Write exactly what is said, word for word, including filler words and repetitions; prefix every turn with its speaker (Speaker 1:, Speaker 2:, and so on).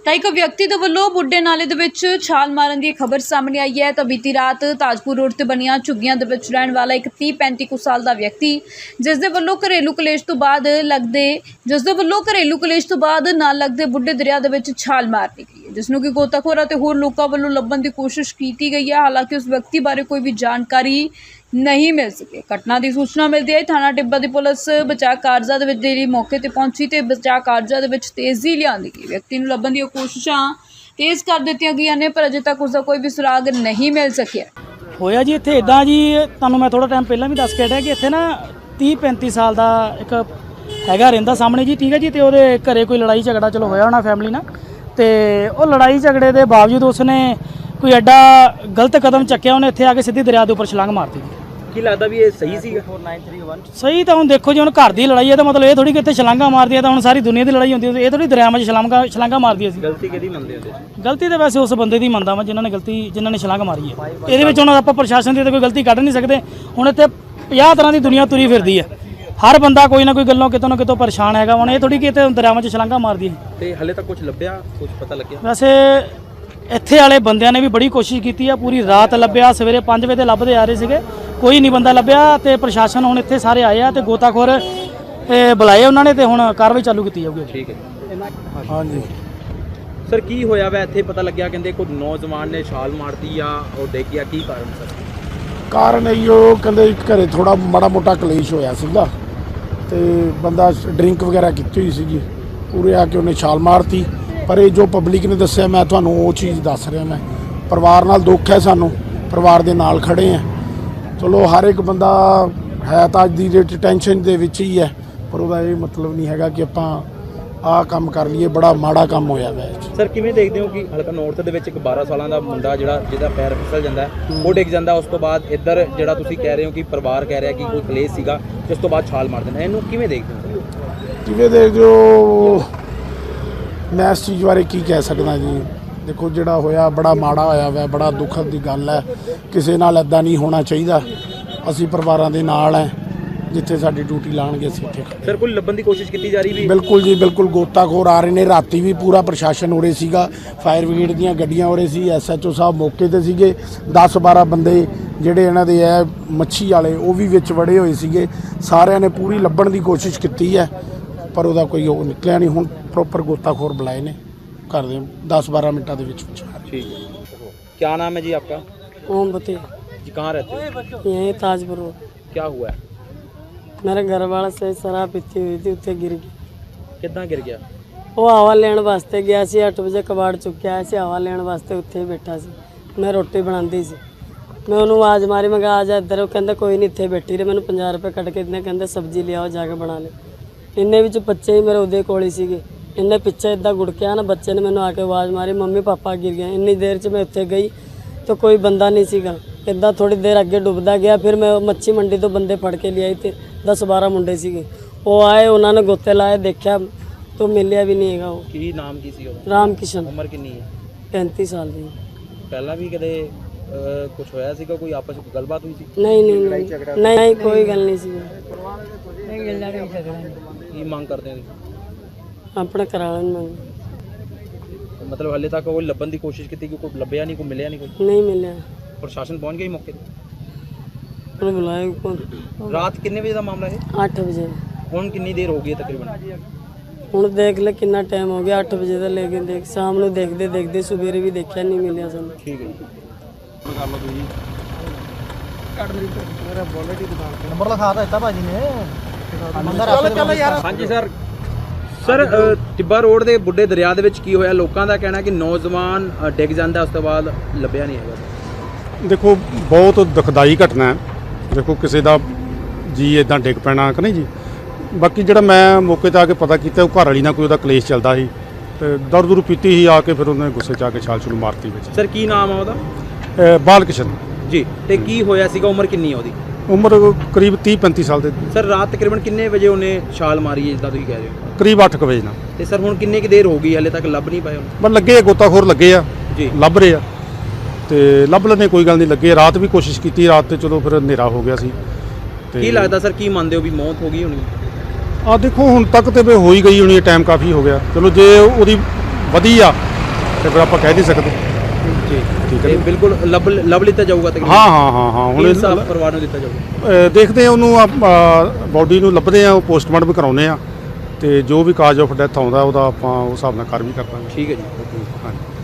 Speaker 1: ਤਾਂ ਇੱਕ ਵਿਅਕਤੀ ਦੇ ਵੱਲੋਂ ਬੁੱਢੇ ਨਾਲੇ ਦੇ ਵਿੱਚ ਛਾਲ ਮਾਰਨ ਦੀ ਖਬਰ ਸਾਹਮਣੇ ਆਈ ਹੈ। ਤਾਂ ਬੀਤੀ ਰਾਤ ਤਾਜਪੁਰ ਰੋਡ ਤੇ ਬਣੀਆਂ ਝੁੱਗੀਆਂ ਦੇ ਵਿੱਚ ਰਹਿਣ ਵਾਲਾ ਇੱਕ ਤੀਹ ਪੈਂਤੀ ਕੁ ਸਾਲ ਦਾ ਵਿਅਕਤੀ ਜਿਸ ਦੇ ਵੱਲੋਂ ਘਰੇਲੂ ਕਲੇਸ਼ ਤੋਂ ਬਾਅਦ ਲੱਗਦੇ ਜਿਸ ਦੇ ਵੱਲੋਂ ਘਰੇਲੂ ਕਲੇਸ਼ ਤੋਂ ਬਾਅਦ ਨਾਲ ਲੱਗਦੇ ਬੁੱਢੇ ਦਰਿਆ ਦੇ ਵਿੱਚ ਛਾਲ ਮਾਰਨੀ ਗਈ ਹੈ, ਜਿਸ ਨੂੰ ਕਿ ਗੋਤਾਖੋਰਾਂ ਤੇ ਹੋਰ ਲੋਕਾਂ ਵੱਲੋਂ ਲੱਭਣ ਦੀ ਕੋਸ਼ਿਸ਼ ਕੀਤੀ ਗਈ ਹੈ। ਹਾਲਾਂਕਿ ਉਸ ਵਿਅਕਤੀ ਬਾਰੇ ਕੋਈ ਵੀ ਜਾਣਕਾਰੀ नहीं मिल सके। घटना की सूचना मिलती है थाना टिब्बा की पुलिस बचाव कारजा दे विच जेहड़ी मौके ते पहुंची ते बचाव कारजा दे विच तेजी लिआंदी गई। व्यक्ति नूं लभण दी कोशिशां तेज कर दित्तियां गईयां ने पर अजे तक उसका कोई भी सुराग नहीं मिल सकिया।
Speaker 2: होया जी इत्थे इदां जी तुहानूं मैं थोड़ा टाइम पहलां भी दस के हटिया कि इत्थे ना तीह पैंती साल का एक हैगा रहिंदा सामने जी, ठीक है जी। तो उहदे घरे कोई लड़ाई झगड़ा चलो होया होना फैमिली नाल, ते वो लड़ाई झगड़े के बावजूद उसने कोई एडा गलत कदम चक्या, उन्हें इत्थे आके सीधी दरिया के उपर छलांग मारती।
Speaker 3: ਕੀ ਲੱਗਦਾ ਵੀ ਇਹ ਸਹੀ ਸੀਗਾ?
Speaker 2: सही तो हुण देखो जी, हुण घर की लड़ाई है तो मतलब ये थोड़ी कि इत्थे छलांगा मारदी है तो हुण सारी दुनिया की लड़ाई होंदी है, ये थोड़ी दरियावां च छलांगा छलांगा मारदी है।
Speaker 3: ਗਲਤੀ ਕਿਹਦੀ ਮੰਨਦੇ ਹੋ?
Speaker 2: गलती तो वैसे उस बंदे की मनदा वा जिन्होंने गलती जिन्होंने छलांग मारी है। ये हुण आपां प्रशासन की तो कोई गलती कढ नहीं सकते। हुण इत्थे पचास तरह की दुनिया तुरी फिरदी है, हर बंदा कोई ना कोई गल्लों कितों ना कितों परेशान हैगा। हुण ये थोड़ी कि इत्थे दरियावां च छलांगा मारदी है।
Speaker 3: ਤੇ ਹਲੇ ਤੱਕ ਕੁਝ ਲੱਭਿਆ, ਕੁਝ ਪਤਾ ਲੱਗਿਆ?
Speaker 2: वैसे ਇੱਥੇ ਵਾਲੇ ਬੰਦਿਆਂ ਨੇ ਵੀ ਬੜੀ ਕੋਸ਼ਿਸ਼ ਕੀਤੀ ਆ, ਪੂਰੀ ਰਾਤ ਲੱਭਿਆ, ਸਵੇਰੇ ਪੰਜ ਵਜੇ ਤੇ ਲੱਭਦੇ ਆ ਰਹੇ ਸੀਗੇ, ਕੋਈ ਨਹੀਂ ਬੰਦਾ ਲੱਭਿਆ। ਤੇ ਪ੍ਰਸ਼ਾਸਨ ਹੁਣ ਇੱਥੇ ਸਾਰੇ ਆਏ ਆ ਤੇ ਗੋਤਾਖੋਰ ਬੁਲਾਏ ਉਹਨਾਂ ਨੇ ਤੇ ਹੁਣ ਕਾਰਵਾਈ ਚਾਲੂ ਕੀਤੀ ਜਾਊਗੀ।
Speaker 3: ਠੀਕ ਹੈ।
Speaker 4: ਹਾਂਜੀ
Speaker 3: ਸਰ ਕੀ ਹੋਇਆ ਵਾ ਇੱਥੇ? ਪਤਾ ਲੱਗਿਆ ਕਹਿੰਦੇ ਕੋਈ ਨੌਜਵਾਨ ਨੇ ਛਾਲ ਮਾਰਤੀ ਆ ਉਹ ਡਿੱਗ ਗਿਆ, ਕੀ ਕਾਰਨ ਸਰ?
Speaker 4: ਕਾਰਨ ਇਹੋ ਕਹਿੰਦੇ ਘਰੇ ਥੋੜਾ ਮਾੜਾ ਮੋਟਾ ਕਲੇਸ਼ ਹੋਇਆ ਸੀਗਾ ਤੇ ਬੰਦਾ ਡਰਿੰਕ ਵਗੈਰਾ ਕੀਤੀ ਹੋਈ ਸੀਗੀ, ਪੂਰੇ ਆ ਕੇ ਉਹਨੇ ਛਾਲ ਮਾਰਤੀ। ਪਰ ਇਹ ਜੋ ਪਬਲਿਕ ਨੇ ਦੱਸਿਆ ਮੈਂ ਤੁਹਾਨੂੰ ਉਹ ਚੀਜ਼ ਦੱਸ ਰਿਹਾ। ਮੈਂ ਪਰਿਵਾਰ ਨਾਲ ਦੁੱਖ ਹੈ, ਸਾਨੂੰ ਪਰਿਵਾਰ ਦੇ ਨਾਲ ਖੜੇ ਆ। ਚਲੋ ਹਰ ਇੱਕ ਬੰਦਾ ਹੈ ਤਾਂ ਅੱਜ ਦੀ ਡੇਟ ਟੈਨਸ਼ਨ ਦੇ ਵਿੱਚ ਹੀ ਹੈ, ਪਰ ਉਹਦਾ ਇਹ ਮਤਲਬ ਨਹੀਂ ਹੈਗਾ ਕਿ ਆਪਾਂ ਆਹ ਕੰਮ ਕਰ ਲਈਏ। ਬੜਾ ਮਾੜਾ ਕੰਮ ਹੋਇਆ ਵੈ।
Speaker 3: ਸਰ ਕਿਵੇਂ ਦੇਖਦੇ ਹੋ ਕਿ ਹਲਕਾ ਨੌਰਥ ਦੇ ਵਿੱਚ ਇੱਕ ਬਾਰਾਂ ਸਾਲਾਂ ਦਾ ਮੁੰਡਾ ਜਿਹੜਾ ਜਿਹਦਾ ਪੈਰ ਫਿਸਲ ਜਾਂਦਾ ਉਹ ਡਿੱਗ ਜਾਂਦਾ, ਉਸ ਤੋਂ ਬਾਅਦ ਇੱਧਰ ਜਿਹੜਾ ਤੁਸੀਂ ਕਹਿ ਰਹੇ ਹੋ ਕਿ ਪਰਿਵਾਰ ਕਹਿ ਰਿਹਾ ਕਿ ਕੋਈ ਕਲੇਸ਼ ਸੀਗਾ ਜਿਸ ਤੋਂ ਬਾਅਦ ਛਾਲ ਮਾਰ ਦੇਣਾ, ਇਹਨੂੰ ਕਿਵੇਂ ਦੇਖਦੇ ਹੋ?
Speaker 4: ਕਿਵੇਂ ਦੇਖਦੇ ਹੋ? ਮੈਂ ਇਸ ਚੀਜ਼ ਬਾਰੇ ਕੀ ਕਹਿ ਸਕਦਾ ਜੀ। ਦੇਖੋ ਜਿਹੜਾ ਹੋਇਆ ਬੜਾ ਮਾੜਾ ਹੋਇਆ ਵੈ, ਬੜਾ ਦੁਖਦ ਦੀ ਗੱਲ ਹੈ। ਕਿਸੇ ਨਾਲ ਇੱਦਾਂ ਨਹੀਂ ਹੋਣਾ ਚਾਹੀਦਾ। ਅਸੀਂ ਪਰਿਵਾਰਾਂ ਦੇ ਨਾਲ ਹੈ, ਜਿੱਥੇ ਸਾਡੀ ਡਿਊਟੀ ਲਾਉਣਗੇ ਅਸੀਂ ਉੱਥੇ।
Speaker 3: ਸਰ ਕੋਈ ਲੱਭਣ ਦੀ ਕੋਸ਼ਿਸ਼ ਕੀਤੀ ਜਾ ਰਹੀ ਵੀ?
Speaker 4: ਬਿਲਕੁਲ ਜੀ ਬਿਲਕੁਲ, ਗੋਤਾਖੋਰ ਆ ਰਹੇ ਨੇ। ਰਾਤੀ ਵੀ ਪੂਰਾ ਪ੍ਰਸ਼ਾਸਨ ਉਰੇ ਸੀਗਾ, ਫਾਇਰ ਬ੍ਰਿਗੇਡ ਦੀਆਂ ਗੱਡੀਆਂ ਉਰੇ ਸੀ, ਐਸ ਐਚ ਓ ਸਾਹਿਬ ਮੌਕੇ 'ਤੇ ਸੀਗੇ। ਦਸ ਬਾਰਾਂ ਬੰਦੇ ਜਿਹੜੇ ਇਹਨਾਂ ਦੇ ਹੈ ਮੱਛੀ ਵਾਲੇ ਉਹ ਵੀ ਵਿੱਚ ਵੜੇ ਹੋਏ ਸੀਗੇ। ਸਾਰਿਆਂ ਨੇ ਪੂਰੀ ਲੱਭਣ ਦੀ ਕੋਸ਼ਿਸ਼ ਕੀਤੀ ਹੈ ਪਰ ਉਹਦਾ ਕੋਈ ਉਹ ਨਿਕਲਿਆ ਨਹੀਂ। ਹੁਣ ਪ੍ਰੋਪਰ ਗੋਤਾਖੋਰ ਬੁਲਾਏ ਨੇ, कर दें दस बारह मिनटा के विच।
Speaker 3: ठीक है। क्या नाम है जी आपका?
Speaker 5: मोमबत्ती
Speaker 3: जी। कहाँ रहते हैं?
Speaker 5: यहीं ताजपुर रोड।
Speaker 3: क्या हुआ है?
Speaker 5: मेरे घर वाला से शराब पीती हुई थी, उत्ते गिर गई।
Speaker 3: कितना गिर गया?
Speaker 5: वो हवा लेने वास्ते गया सी, अठ बजे कबाड़ चुक्या सी, हवा लेने वास्ते उत्थे ही बैठा सी। मैं रोटी बनाती सी, मैं उन्होंने आवाज़ मारी, मैं कहा आ जा इधर। वो कहता कोई नहीं, इत्थे बैठी रहे। मैंने पंजाह रुपये कट के इतने कहते सब्जी ले आओ जाके बना ले। इन्ने विच बच्चे ही मेरे उदे कोल ही सीगे। इन्हें पिछे इदा गुड़किया ना, बच्चे ने मैंने आके आवाज़ मारी मम्मी पापा गिर गए। इन्नी देर च मैं उत्थे गई तो कोई बंदा नहीं सीगा। इदा थोड़ी देर अगे डुबदा गया, फिर मैं मच्छी मंडी तो बंदे फड़ के ले आई थे, दस बारह मुंडे सीगे। वो आए, उन्होंने गोते लाए, देखा तो मिलिया भी नहीं है। वो
Speaker 3: की नाम की सी?
Speaker 5: राम किशन।
Speaker 3: उम्र कितनी है?
Speaker 5: पैंतीस साल की।
Speaker 3: पहला भी कदे कुछ होया सीगा, कोई आपस में गलबात हुई सी?
Speaker 5: नहीं नहीं नहीं नहीं कोई गल नहीं सी।
Speaker 3: की मांग करते हैं?
Speaker 5: अपने कराने में
Speaker 3: मतलब हाले तक वो लभन की कोशिश की थी, कोई लभ्या नहीं, कोई मिलया नहीं? कोई
Speaker 5: नहीं मिले।
Speaker 3: प्रशासन पहुंच गई मौके पे?
Speaker 5: बुलाए कौन?
Speaker 3: रात कितने बजे का मामला है?
Speaker 5: आठ बजे।
Speaker 3: हुण कितनी देर हो गई है तकरीबन?
Speaker 5: ਹੁਣ ਦੇਖ ਲੈ ਕਿੰਨਾ ਟਾਈਮ ਹੋ ਗਿਆ, ਅੱਠ ਵਜੇ ਦਾ ਲੈ ਕੇ ਦੇਖ ਸ਼ਾਮ ਨੂੰ ਦੇਖਦੇ ਦੇਖਦੇ ਸਵੇਰੇ ਵੀ ਦੇਖਿਆ ਨਹੀਂ ਮਿਲਿਆ ਸਾਨੂੰ।
Speaker 3: ਠੀਕ ਹੈ ਜੀ।
Speaker 2: ਨੰਬਰ ਲਿਖਾ ਦਿੱਤਾ ਭਾਜੀ ਨੇ।
Speaker 3: ਹਾਂਜੀ ਸਰ। ਸਰ ਟਿੱਬਾ ਰੋਡ ਦੇ ਬੁੱਢੇ ਦਰਿਆ ਦੇ ਵਿੱਚ ਕੀ ਹੋਇਆ? ਲੋਕਾਂ ਦਾ ਕਹਿਣਾ ਕਿ ਨੌਜਵਾਨ ਡਿੱਗ ਜਾਂਦਾ, ਉਸ ਤੋਂ ਬਾਅਦ ਲੱਭਿਆ ਨਹੀਂ ਹੈਗਾ।
Speaker 6: ਦੇਖੋ ਬਹੁਤ ਦੁਖਦਾਈ ਘਟਨਾ ਹੈ। ਦੇਖੋ ਕਿਸੇ ਦਾ ਜੀ ਇਦਾਂ ਡਿੱਗ ਪੈਣਾ ਕਿ ਨਹੀਂ ਜੀ। ਬਾਕੀ ਜਿਹੜਾ ਮੈਂ ਮੌਕੇ 'ਤੇ ਆ ਕੇ ਪਤਾ ਕੀਤਾ, ਉਹ ਘਰ ਵਾਲੀ ਨਾਲ ਕੋਈ ਉਹਦਾ ਕਲੇਸ਼ ਚੱਲਦਾ ਸੀ ਤੇ ਦਰ ਦੁਰ ਪੀਤੀ ਹੀ ਆ ਕੇ ਫਿਰ ਉਹਨੇ ਗੁੱਸੇ 'ਚ ਆ ਕੇ ਛਾਲ ਛੁਲ ਮਾਰਤੀ ਵਿੱਚ।
Speaker 3: ਸਰ ਕੀ ਨਾਮ ਆ ਉਹਦਾ?
Speaker 6: ਬਾਲ ਕਿਸ਼ਨ
Speaker 3: ਜੀ। ਤੇ ਕੀ ਹੋਇਆ ਸੀਗਾ? ਉਮਰ ਕਿੰਨੀ ਹੈ ਉਹਦੀ?
Speaker 6: ਉਮਰ ਕਰੀਬ ਤੀਹ ਪੈਂਤੀ ਸਾਲ ਦੇ।
Speaker 3: ਸਰ ਰਾਤ ਤਕਰੀਬਨ ਕਿੰਨੇ ਵਜੇ ਉਹਨੇ ਛਾਲ ਮਾਰੀ ਹੈ ਜਿੱਦਾਂ ਤੁਸੀਂ ਕਹਿ ਰਹੇ ਹੋ?
Speaker 6: ਕਰੀਬ ਅੱਠ ਕੁ ਵਜੇ ਨਾਲ।
Speaker 3: ਤੇ ਸਰ ਹੁਣ ਕਿੰਨੇ ਕੁ ਦੇਰ ਹੋ ਗਈ, ਹਲੇ ਤੱਕ ਲੱਭ ਨਹੀਂ ਪਾਏ ਉਹਨੂੰ?
Speaker 6: ਬਸ ਲੱਗੇ ਆ, ਗੋਤਾਖੋਰ ਲੱਗੇ ਆ
Speaker 3: ਜੀ, ਲੱਭ
Speaker 6: ਲੱਭ ਰਹੇ ਆ ਤੇ ਲੱਭ ਲੈਣੇ, ਕੋਈ ਗੱਲ ਨਹੀਂ। ਲੱਗੇ ਰਾਤ ਵੀ ਕੋਸ਼ਿਸ਼ ਕੀਤੀ, ਰਾਤ ਤੇ ਚਲੋ ਫਿਰ ਹਨੇਰਾ ਹੋ ਗਿਆ ਸੀ।
Speaker 3: ਕੀ ਲੱਗਦਾ ਸਰ, ਕੀ ਮੰਨਦੇ ਹੋ ਵੀ ਮੌਤ ਹੋ ਗਈ ਹੋਣੀ?
Speaker 6: ਆ ਦੇਖੋ ਹੁਣ ਤੱਕ ਤੇ ਹੋ ਹੀ ਗਈ ਹੋਣੀ ਹੈ, ਟਾਈਮ ਕਾਫੀ ਹੋ ਗਿਆ। ਚਲੋ ਜੇ ਉਹਦੀ ਵਧੀ ਆ ਤੇ ਫਿਰ ਆਪਾਂ ਕਹਿ ਨਹੀਂ ਸਕਦੇ।
Speaker 3: ਜੀ
Speaker 6: ਠੀਕ ਹੈ
Speaker 3: ਤੇ ਬਿਲਕੁਲ ਲੱਭ ਲੱਭ ਲਿੱਤਾ ਜਾਊਗਾ ਤਕਰੀਬਨ।
Speaker 6: ਹਾਂ ਹਾਂ ਹਾਂ ਹਾਂ ਹੁਣ
Speaker 3: ਹੁਣ ਸਾਫ ਪਰਿਵਾਰ ਨੂੰ ਦਿੱਤਾ ਜਾਊਗਾ।
Speaker 6: ਅ, ਦੇਖਦੇ ਆ ਉਹਨੂੰ, ਬਾਡੀ ਨੂੰ ਲੱਭਦੇ ਆ, ਉਹ ਪੋਸਟਮਾਰਟਮ ਕਰਾਉਂਦੇ ਆ ਤੇ ਜੋ ਵੀ ਕਾਜ਼ ਆਫ ਡੈਥ ਆਉਂਦਾ ਉਹਦਾ ਆਪਾਂ ਉਸ ਹਿਸਾਬ ਨਾਲ ਕਰ ਵੀ ਕਰ ਦਾਂਗੇ।
Speaker 3: ਠੀਕ ਹੈ ਜੀ।
Speaker 6: ਹਾਂਜੀ।